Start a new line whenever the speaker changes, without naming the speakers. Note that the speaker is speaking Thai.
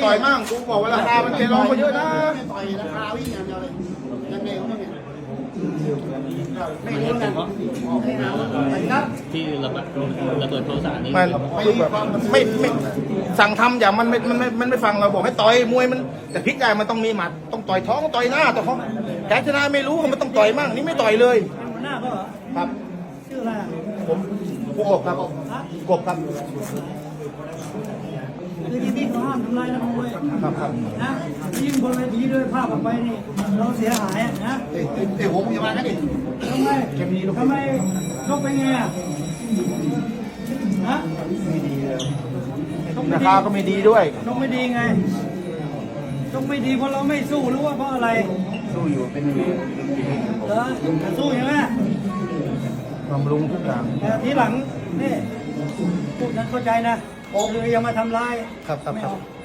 ต่อยมั่งกูบอกว่าราคามันเทรองไปเยอะนะ
ต่อยราคาวิ่งอย่างเดียวเลยยังไงวะเนี่ยไม่รู้นะ
ที่ระเบิดโทรศัพท์นี่
มันคือแบบไม่สั่งทำอย่างมันไม่ฟังเราบอกให้ต่อยมวยมันแต่พลิกได้มันต้องมีหมัดต้องต่อยท้องต่อยหน้าแต่เขาแพ้ชนะไม่รู้มันต้องต่อยมั่งนี่ไม่ต่อยเลย
หัวหน้าก็เหรอ
ครับ
ชื่ออะไร
ผมกบครับกบครับ
คือที่นี่เขาห้ามทำลายนักมวย
ครับครับ
นะยิ่งบนเวทีด้วยภาพออกไปนี่เราเสียหายนะ
เอ้ผมจะมากันดิ
ทำไมชกเป็นไงอ่ะฮะ
ราคาก็ไม่ดีด้วย
ชกไม่ดีไงชกไม่ดีเพราะเราไม่สู้หรือว่าเพราะอะไร
สู้อยู่เป็น
เหรอสู้ใช่ไหม
บำรุงทุกอย่าง
แต่ทีหลังนี่พูดนั้นเข้าใจนะคืออย่ามาทำร้าย
ครับครับ
ไม่
ครับ
เอา